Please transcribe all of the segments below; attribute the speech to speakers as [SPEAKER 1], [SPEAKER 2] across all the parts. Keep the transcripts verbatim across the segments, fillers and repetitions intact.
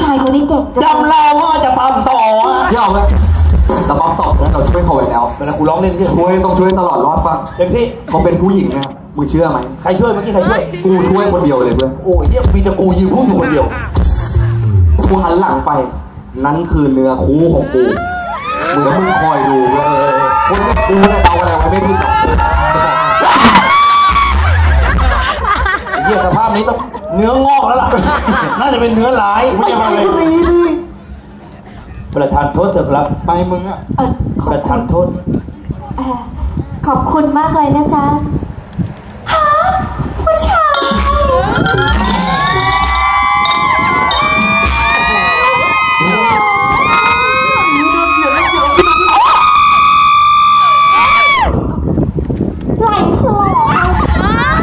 [SPEAKER 1] ายคนนี้เก่งจัง
[SPEAKER 2] จำเราว่าจะปั๊มต่ออ่ะ
[SPEAKER 3] ยอมเลยแต่ปั๊มตอบแล้วเราช่วยเขาไว้แล้ว
[SPEAKER 2] เวลากูร้องเล่นที่
[SPEAKER 3] ช่วยต้องช่วยตลอดรอดฟัง
[SPEAKER 2] เต็มที่
[SPEAKER 3] เขาเป็นผู้หญิงนะมึงเชื่อไหม
[SPEAKER 2] ใครช่วยเมื่อกี้ใครช่วย
[SPEAKER 3] กูช่วยคนเดียวเลยเพื่อน
[SPEAKER 2] โอ้ยเนี่ยมีแต่กูยืนพูดอยู่คนเดียว
[SPEAKER 3] กูหันหลังไป นั่นคือเนื้อคู่ของกูมึงแล้วมึงคอยดูเว้ยคนที่กูเนี่ยเดาอะไรไว้ไม่ผิดหรอก
[SPEAKER 2] ไอ้เหี้ยสภาพนี้ต้องเนื้องอกแล้วล่ะ น่าจะเป็นเนื้อหลายไม่ใช่อะไร
[SPEAKER 3] นี่ดิ
[SPEAKER 2] ประธานโทษเถอะครับ
[SPEAKER 4] ไปมึงอ่ะ
[SPEAKER 1] เออข
[SPEAKER 2] ป
[SPEAKER 1] อบ
[SPEAKER 2] ระ
[SPEAKER 1] คุ
[SPEAKER 2] ธาน
[SPEAKER 1] ณ
[SPEAKER 2] โทษ
[SPEAKER 1] เอ่อขอบคุณมากเลยนะจ๊ะฮะผู้ชายไหลถลอก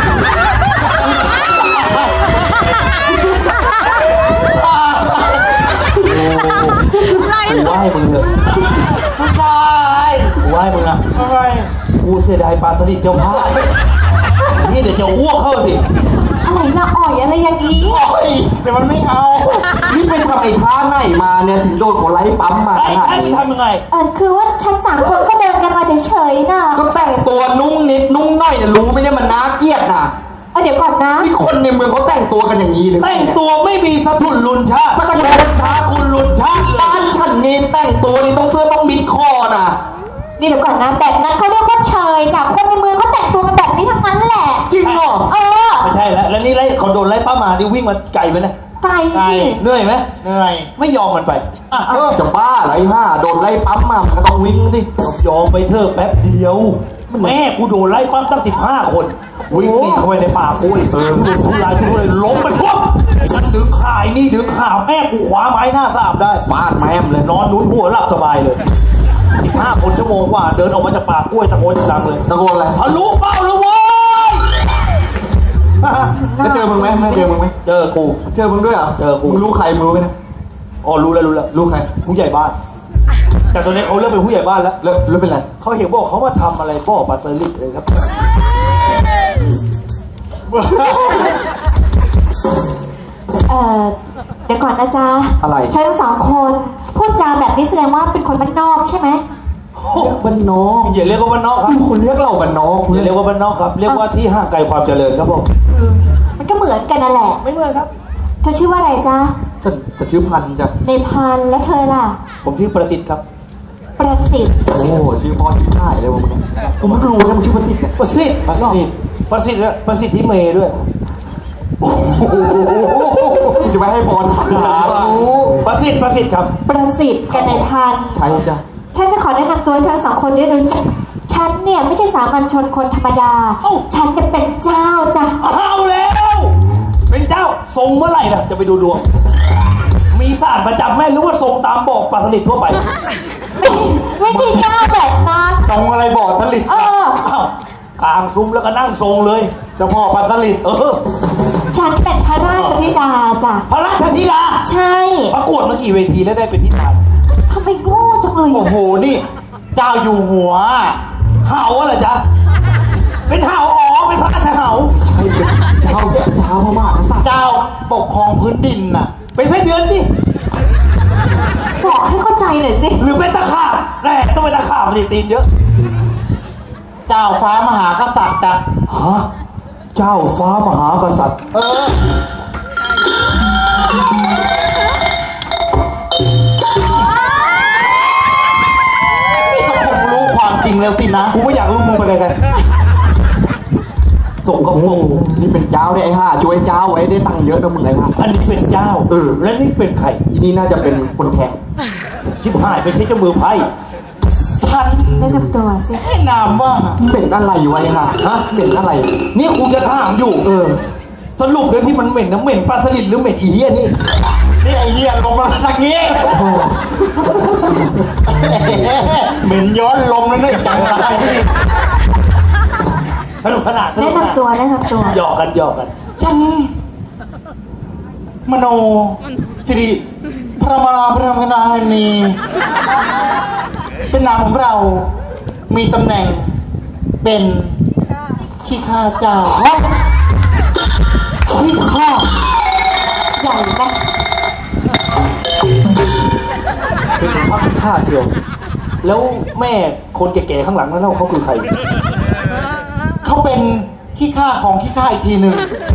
[SPEAKER 2] กูไหว้มึงเถอะ
[SPEAKER 4] ผู้ชาย
[SPEAKER 2] กูไหว้มึงอ่ะ
[SPEAKER 4] ทำไม
[SPEAKER 2] กูเสียดายปลาสลิดเจ้าภาพนี่เดี๋ยวจะอ้วกเข้าสิ
[SPEAKER 1] อะไรละอ่อยอะไรอย่างนี้
[SPEAKER 4] โอ้ยแต่มันไม่เอา
[SPEAKER 3] นี่ไปทำไอ้ท่าไหนมาเนี่ยถึงโดนคนไล่ปั๊มมาข
[SPEAKER 2] ไอ้
[SPEAKER 3] นาด
[SPEAKER 2] ไอ้
[SPEAKER 3] นี้
[SPEAKER 2] ทำยังไง
[SPEAKER 1] เออคือว่าฉันสามคนก็เดินกันมาเฉยๆน่ะ
[SPEAKER 3] ก็แต่งตัวนุ่งนิดนุ่งหน่อยเนี่ยรู้ไหมเนี่ยมันน่าเกลียดนะ
[SPEAKER 1] เออเดี๋ยวก่อนนะ
[SPEAKER 3] นี่คนในเมืองเขาแต่งตัวกันอย่างนี้เลย
[SPEAKER 2] แต่งตัวไม่มีสะทุนลุนชาติ
[SPEAKER 3] สัก
[SPEAKER 2] คุ
[SPEAKER 3] ก
[SPEAKER 2] ณ
[SPEAKER 3] ระโด
[SPEAKER 2] ลุ
[SPEAKER 3] ด
[SPEAKER 2] นชาติคุณลุนชาติเลย
[SPEAKER 3] บ้านฉันนี่แต่งตัวนี่ต้องเสื้อต้องมิดคอน่ะ
[SPEAKER 1] นี่เดี๋ยวก่อนนะแบบนั้นเขาเรียกว่าเชยจากคนในเมืองเขาแต่งตัวกันแบบนี้ทั้งนั้นแหละ
[SPEAKER 3] จริงเหรอ
[SPEAKER 1] เออ
[SPEAKER 2] ไม่ใช่แล้วแล้วนี่ไล่เขาโดนไล่ป้ามาที่วิ่งมาไกลไปนะ
[SPEAKER 1] ไกลสิ
[SPEAKER 2] เหนื่อยไหม
[SPEAKER 4] เหนื่อย
[SPEAKER 2] ไม่ยอมมันไป
[SPEAKER 4] อ่ะเออ
[SPEAKER 3] จะบ้าเหรอไอ้ห่าโดนไล่ปั๊มมามันก็ต้องวิ่งสิ
[SPEAKER 2] ยอมไปเถอะแป๊บเดียว แม่กูโดนไล่ปั้มตั้งสิบห้าคน วิ่งหนีเข้าไปในป่ากูอีกเออโดนทุรายทุเรศล้มไปพวกมันดึงข่ายนี่ดึงข่าวแม่กูขวาไม้หน้าสามได้
[SPEAKER 3] ฟาดแม่มเลย
[SPEAKER 2] นอนนุ้นหัวหลับสบายเลยสิบห้าคนชั่วโมงกว่าเดินออกมาจากป่ากล้วยตะโกนดังเลย
[SPEAKER 3] ตะโกนอะไร
[SPEAKER 2] ทะลุเป้าเลยเว้ย
[SPEAKER 3] แล้วเจอมึงไหมไม่เจอมึงไหม
[SPEAKER 2] เจอกู
[SPEAKER 3] เจอมึงด้วยเหรอ
[SPEAKER 2] เจอกู
[SPEAKER 3] มึงรู้ใครมึงรู้ไหมเนี่ย
[SPEAKER 2] อ๋อรู้แล้วรู้แล้ว
[SPEAKER 3] รู้ใคร
[SPEAKER 2] ผู้ใหญ่บ้าน แต่ตอนนี้เขาเริ่มเป็นผู้ใหญ่บ้านแล้ว
[SPEAKER 3] แล้วแล้วเป็นไร
[SPEAKER 2] เขาเห็นบอกเขามาทำอะไรบ่อปลาสลิดเลยครับ
[SPEAKER 1] เออเดี๋ยวก่อนนะจ๊ะ
[SPEAKER 3] อะไร
[SPEAKER 1] เธอทั้งสองคนพูดจาแบบนี้แสดงว่าเป็นคนบ้านนอกใช่ไหม
[SPEAKER 3] บ้านนอก
[SPEAKER 2] อย่าเรียกว่าบ้านนอกครับ
[SPEAKER 3] มึงคนเรียกเราบ้านนอก
[SPEAKER 2] อย่าเรียกว่าบ้านนอกครับ เรียกว่าที่ห่างไกลความเจริญครับผม
[SPEAKER 1] มันก็เหมือนกันนั่นแหละ
[SPEAKER 2] ไม่เหมือนครับ
[SPEAKER 1] เธอชื่อว่าอะไรจ๊ะ
[SPEAKER 3] ฉันจะชื่อพันธุ์จ้ะ
[SPEAKER 1] ในพันและเธอล่ะ
[SPEAKER 2] ผมชื่อประสิทธิ์ครับ
[SPEAKER 1] ประสิทธิ์
[SPEAKER 3] โอ้โหชื่อพ่อที่ถ่ายเลยมึงเนี่ยกูไม่รู้นะมึงชื่อพันธุ์เนี่ย
[SPEAKER 2] ประสิทธิ์
[SPEAKER 4] ประสิทธิ์
[SPEAKER 2] ประสิทธิ์และประสิทธิ์ที่เมย์ด้วย
[SPEAKER 3] มึงจะไม่ให้พรถาม
[SPEAKER 2] ประสิทธิ์ประสิทธิ์ครับ
[SPEAKER 1] ประสิทธิ์กับในพัน
[SPEAKER 3] ใช่จ้ะ
[SPEAKER 1] ฉันจะขอแนะนำตัวให้เธอสองคนได้รู้จักฉันเนี่ยไม่ใช่สามัญชนคนธรรมดา ฉันเนี่ยเป็นเจ้าจ้ะ
[SPEAKER 2] เอาแล้ว เป็นเจ้าทรงเมื่อไหร่นะจะไปดูดวง มีศาสตร์ประจำแม่หรือว่าทรงตามบอกปลาสลิดทั่วไป
[SPEAKER 1] ไม่ใช่เจ้าแบบนั้น
[SPEAKER 4] ตรงอะไรบอดผลิต
[SPEAKER 1] เออ
[SPEAKER 2] อ้าวกลางซุ้มแล้วก็นั่งทรงเลย
[SPEAKER 4] เจะพ่อปัตตลิต
[SPEAKER 2] เออ
[SPEAKER 1] ฉันเป็นพระราชธิดาจ้ะ
[SPEAKER 2] พระราชธิดา
[SPEAKER 1] ใช่
[SPEAKER 2] ประกวดมากี่เวทีแล้วได้เป็นธิดา
[SPEAKER 1] ทำไมโง่จังเลย
[SPEAKER 4] โอ้
[SPEAKER 1] อะ
[SPEAKER 4] โหนี่ เจ้าอยู่หัว
[SPEAKER 2] เห่าอะไรจ๊ะ เป็นเห่าอ๋อเป็นพระราชเห่า
[SPEAKER 3] ให้เป็นเท้าเท้าพม่ากษัตริย์
[SPEAKER 4] เจ้าปกครองพื้นดินน่ะ
[SPEAKER 2] เป็นไส้เดือนสิ
[SPEAKER 1] บอกให้เข้าใจหน่อยสิ
[SPEAKER 2] หรือเป็นตะขาบแน่ต้องเป็นตะขาบสิตีนเยอะ
[SPEAKER 4] เจ้าฟ้ามหากษัตริย์อ่ะ
[SPEAKER 2] ฮะ เจ้าฟ้ามหากษัตริย์
[SPEAKER 4] เออ นี่ก็คงรู้ความจริงแล้วสินะ
[SPEAKER 2] กูไม่อยากรู้มึงไปไกลๆส่งกระโปรง
[SPEAKER 3] นี่เป็นเจ้าเนี่ยไอ้ห่าช่วยเจ้าไว้ได้ตังค์เยอะนะมึงไอ้ห่า
[SPEAKER 2] อันนี้เป็นเจ้า
[SPEAKER 3] เออ
[SPEAKER 2] และนี่เป็นใคร
[SPEAKER 3] อีนี่น่าจะเป็นคนแข่ง
[SPEAKER 2] ชิบหายไปใช้เจ้ามือไพ่
[SPEAKER 4] ฉัน
[SPEAKER 1] แนะนำตัวสิ
[SPEAKER 4] ให้นามว่า
[SPEAKER 3] เป็นอะไรวะไอ้ห่าฮะเป็นอะไร
[SPEAKER 2] นี่กูจะถามอยู่
[SPEAKER 3] เออ
[SPEAKER 2] สรุปเลยที่มันเหม็นนะเหม็นปลาสลิดหรือเหม็นอีเหี้ยนี่
[SPEAKER 4] นี่ไอเหี้ยลงมาทางนี้ เหม็นย้อนลมแล้วเนี่ยจังไร
[SPEAKER 2] สนุกสนานส
[SPEAKER 1] แนะ
[SPEAKER 2] นุกสนาน
[SPEAKER 1] นำตัวแนะนำตัว
[SPEAKER 2] หยอกกันหยอกกัน
[SPEAKER 4] ฉันมโนสิริพระมาพระมนานีเป็นนามของเรา มีตำแหน่งเป็นขี้ข้าเจ้า
[SPEAKER 1] ที่ข้อใหญ่ไหม
[SPEAKER 2] ข้าเชียวแล้วแม่คนแก่ๆข้างหลังนั่นเล่าเขาคือใคร
[SPEAKER 4] เขาเป็นขี้ข้าของขี้ข้าอีกทีหนึ่ง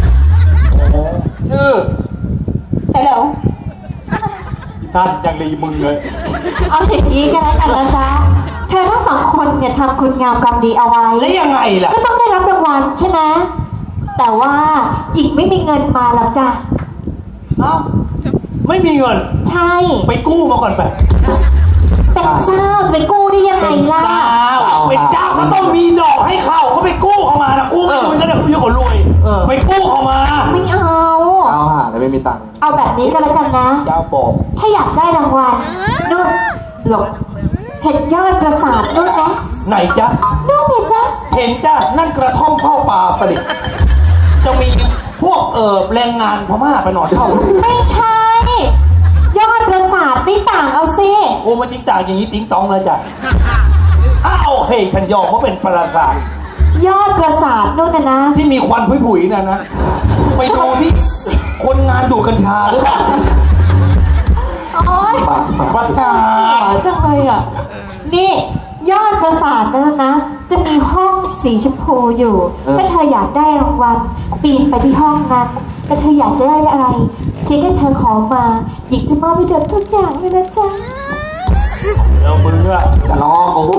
[SPEAKER 4] ชื่อ
[SPEAKER 1] ฮัลโหล
[SPEAKER 4] ท่านยังรีมึงเลย
[SPEAKER 1] เอาอย่างนี้กันแล้วกันนะจ๊ะเธอทั้งสองคนเนี่ยทำคุณงามความดีเอาไว้
[SPEAKER 2] แล้วยังไงล่ะ
[SPEAKER 1] ก็ต้องได้รับรางวัลใช่ไหมแต่ว่าหญิงไม่มีเงินมาหรอกจ้ะ
[SPEAKER 2] เอ้าไม่มีเงิน
[SPEAKER 1] ใช่
[SPEAKER 2] ไปกู้มาก่อนไป
[SPEAKER 1] เป็นเจ้าจะไปกู้ได้ยังไงล่ะ
[SPEAKER 2] เป็นเจ้าก็ต้องมีดอกให้เขาเขาไปกู้เขามานะกู้ไม่รวยก็ได้พี่คนรวยไปกู้เขามา
[SPEAKER 1] ไม่เอา
[SPEAKER 3] เอาหาแล้วไม่มีตังค์
[SPEAKER 1] เอาแบบนี้ก็แล้วกันนะ
[SPEAKER 2] เจ้าบอก
[SPEAKER 1] ถ้าอยากได้รางวัลนู่นหลบเห็นยอดปราสาทนู่นไหม
[SPEAKER 2] ไหนจ๊ะ
[SPEAKER 1] นู่นเนี่ยจ๊ะ
[SPEAKER 2] เห็นจ้ะนั่นกระท่อมเฝ้าป่าประดิษฐ์จะมีพวกเออแรงงานพม่าไปนอนเช่า
[SPEAKER 1] ไม่ใช่ ยอดปราสาทนี่ต่างเอาสิ
[SPEAKER 2] โอ้มันจริงจ่าอย่างนี้ติ้งตองเลยจ้ะอ้าวโอเคฉันยอมว่าเป็นปราสาท
[SPEAKER 1] ยอดปราสาทนู่นนะนะ
[SPEAKER 2] ที่มีควันผุยๆนะนะไปดูที่คนงานดูดกัญชาหรือเปล่า
[SPEAKER 1] โอ๊ย
[SPEAKER 3] ปากปาก
[SPEAKER 4] วัดกา
[SPEAKER 1] หวจังเลยอ่ะ นี่ยอดปราสาทนั่นนะ จะมีห้องสีชมพูอยู่ ถ้าเธออยากได้รางวัลปีนไปที่ห้องนั้นแล้วเธออยากจะได้อะไรเพียงแค่เธอขอมาหญิงจะมอบให้เธอทุกอย่างเลยนะจ๊ะ
[SPEAKER 2] เดี๋ยวมึงอะ
[SPEAKER 3] จะร้องโอ้โห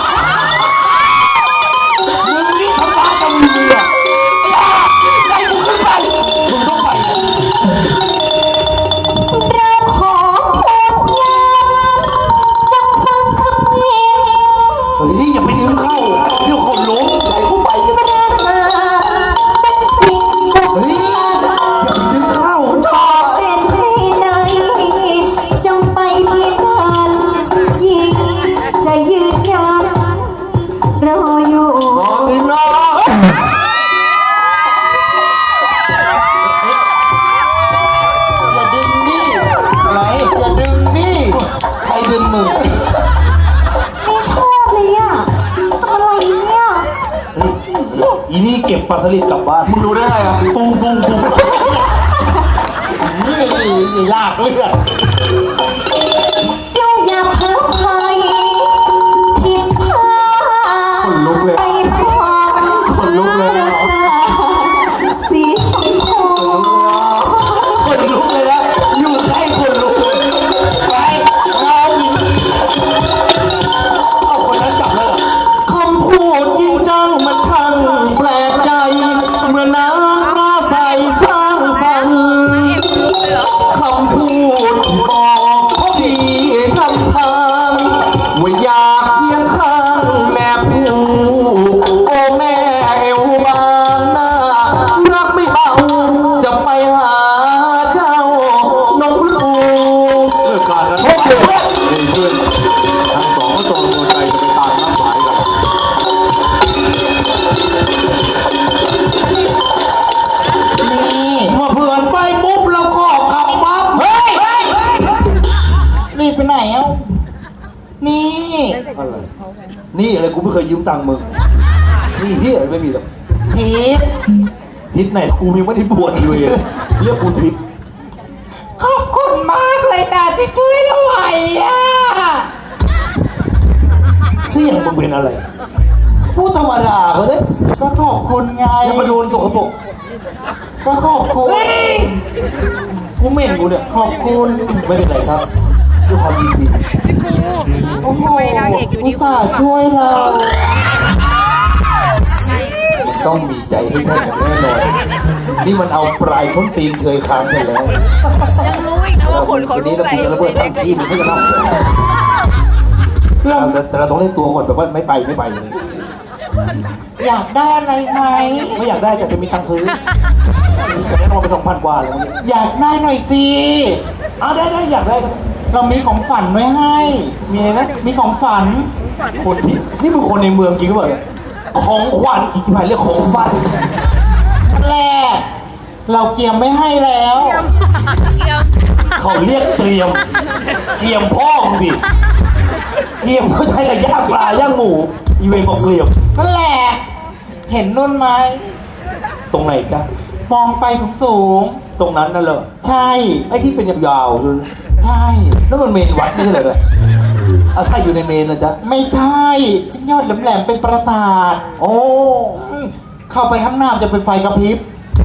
[SPEAKER 2] มึงนี่ทำร้ายกับมึงเนี่ยไล่กูขึ้นไปมึงต้องไป
[SPEAKER 1] เราขอคุณยามจงฟังคำเย็น
[SPEAKER 2] เฮ้ยอย่าไปดึงเข้าเดี๋ยวคนล้มไล่กูไป
[SPEAKER 1] ปราสาทเป็นสิ่งสำ
[SPEAKER 2] เฮ้ย
[SPEAKER 1] คัญ
[SPEAKER 2] อย่าไปดึงเข้า
[SPEAKER 1] ขอเป็นที่ไหนจงไปที่นั่นยิ่งจะยืนยันรออยู่
[SPEAKER 3] รอที่น้อง
[SPEAKER 4] อย่าดึงนี่
[SPEAKER 2] อะไร
[SPEAKER 4] อย่าดึงนี่
[SPEAKER 2] ใครดึงมึง
[SPEAKER 1] ไม่ชอบเลยอ่ะอะไรเนี่ย
[SPEAKER 2] เฮ้ยอีนี่เก็บปลาสลิดกลับบ้าน
[SPEAKER 3] มึงรู้ได้ไงอ่ะ
[SPEAKER 2] ตุ้งตุ้งตุ้ง
[SPEAKER 4] นี่ไอ้ลากเลือด
[SPEAKER 1] เจ้าอย่าเพ้อพายผิดพลาด
[SPEAKER 3] คนลุกเลย
[SPEAKER 1] ไปพร้อม
[SPEAKER 3] คนลุกเลย
[SPEAKER 1] สีชมพู
[SPEAKER 2] คนลุกเลยนะอยู่ใกล้คนลุกเลยไปเอาอีกเอาคนนั้นจับแล้วเหรอ
[SPEAKER 3] คำพูดจริงจังมันช่างแปลกใจ เมื่อนางมาใส่สร้างสรรค์คำพูดที่บอกชี้นำทางว่าอยากเคียงข้างแม่ผู้โอ้แม่เอวบางหน้ารักไม่เบาจะไปหาเจ้าน้องลูกเกิดการนั้นพบเลยดีขึ้นทั้งสองก็ตรงตัวใจจะไปตามนัดหมายกัน
[SPEAKER 4] นี่
[SPEAKER 2] เมื่อเพื่อนไปปุ๊บเราก็กลับปั๊บเฮ้ย
[SPEAKER 4] รีบไปไหนเอ้านี่
[SPEAKER 2] อะไรนี่อะไรกูไม่เคยยืมตังค์มึงนี่ที่อะไรไม่มีหรอก
[SPEAKER 4] ทิพย์
[SPEAKER 2] ทิศไหนกูยังไม่ได้บวชเลยเรียกกูทิศ
[SPEAKER 4] ขอบคุณมากเลยนะที่ช่วยเราไว้อะ
[SPEAKER 2] เสี่ยงมึงเป็นอะไรพูดธรรมดาก็ได้
[SPEAKER 4] ก็ขอบคุณไง
[SPEAKER 2] อย่ามาโดนสกปรก
[SPEAKER 4] ก็ขอบคุณ
[SPEAKER 2] เฮ้ยกูเหม็นกูเนี่ย
[SPEAKER 4] ขอบคุณ
[SPEAKER 2] ไม่เป็นไรครับด้วยความยินดี
[SPEAKER 4] โอ้โหอุตส่าห์ช่วยเรา
[SPEAKER 2] ต้องมีใจให้ท่านอย่างแน่นอนนี่มันเอาปลายส้นตีนเคยค้างกันแล้ว
[SPEAKER 5] ยังรู้อีกนะว่าคนเขา
[SPEAKER 2] วัน
[SPEAKER 5] รู้
[SPEAKER 2] นี้เรา
[SPEAKER 5] อะไร
[SPEAKER 2] คุยกันระเบิดทั้งที่มันก็จะเล่า
[SPEAKER 4] เรา
[SPEAKER 2] แต่แต่เราต้องเล่นตัวก่อนแบบว่าไม่ไปไม่ไปเลย
[SPEAKER 4] อยากได้อะไรไหม
[SPEAKER 2] ไม่อยากได้แต่จะมีตังค์ซื้อแต่แน่นอนไปสองพันกว่าเลยวันนี้
[SPEAKER 4] อยากได้หน่อยสิ
[SPEAKER 2] อ้าวได้ได้อยากได้
[SPEAKER 4] เรามีของฝันไว้ให้
[SPEAKER 2] มีอะไรนะ
[SPEAKER 4] มีของฝัน
[SPEAKER 2] คนที่นี่มึงคนในเมืองจริงหรือเปล่าเนี่ยของขวัญอีกที่ไหนเรียกของฝัน
[SPEAKER 4] แรก เราเกียมไม่ให้แล้ว
[SPEAKER 2] เขาเรียกเตรียมเกียมพ่อมึงดิเกียมเขาใช้กับย่างปลาย่างหมูอีเวนบอกเกลียม
[SPEAKER 4] นั่นแหละ เห็นนุ่นไหม
[SPEAKER 2] ตรงไหนจ๊ะ
[SPEAKER 4] มองไปสูง
[SPEAKER 2] ตรงนั้นนั่นเหรอ
[SPEAKER 4] ๆใช่
[SPEAKER 2] ไอ้ที่เป็นยาวๆดู
[SPEAKER 4] ใช่
[SPEAKER 2] แล้วมันเมนวัดไม่ใช่เหรอเนี่ยเอาใช่อยู่ในเมนนะจ๊ะ
[SPEAKER 4] ไม่ใช่ยอดแหลมๆเป็นปราสาท
[SPEAKER 2] โอ้
[SPEAKER 4] อืมเข้าไปข้างหน้าจะเป็นไฟกระพริบ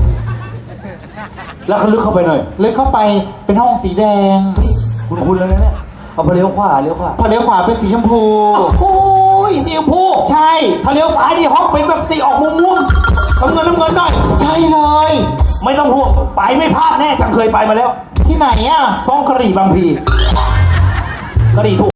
[SPEAKER 2] แล้วเขาลึกเข้าไปหน่อย
[SPEAKER 4] ลึกเข้าไปเป็นห้องสีแดง
[SPEAKER 2] คุณคุณแล้วนะเนี่ยเอาไปเลี้ยวขวาเลี้ยวขวา
[SPEAKER 4] พอเลี้ยวขวาเป็นสีชมพู
[SPEAKER 2] โอ้ยสีชมพู
[SPEAKER 4] ใช่
[SPEAKER 2] ถ้าเลี้ยวซ้ายนี่ห้องเป็นแบบสีออกม่วงๆน้ำเงินน้ำเงินหน่อย
[SPEAKER 4] ใช่เลย
[SPEAKER 2] ไม่ต้องห่วงไปไม่พลาดแน่จังเคยไปมาแล้ว
[SPEAKER 4] ที่ไหนอ่ะ
[SPEAKER 2] ซ่องกะหรี่บางพีกะหรี่ถูก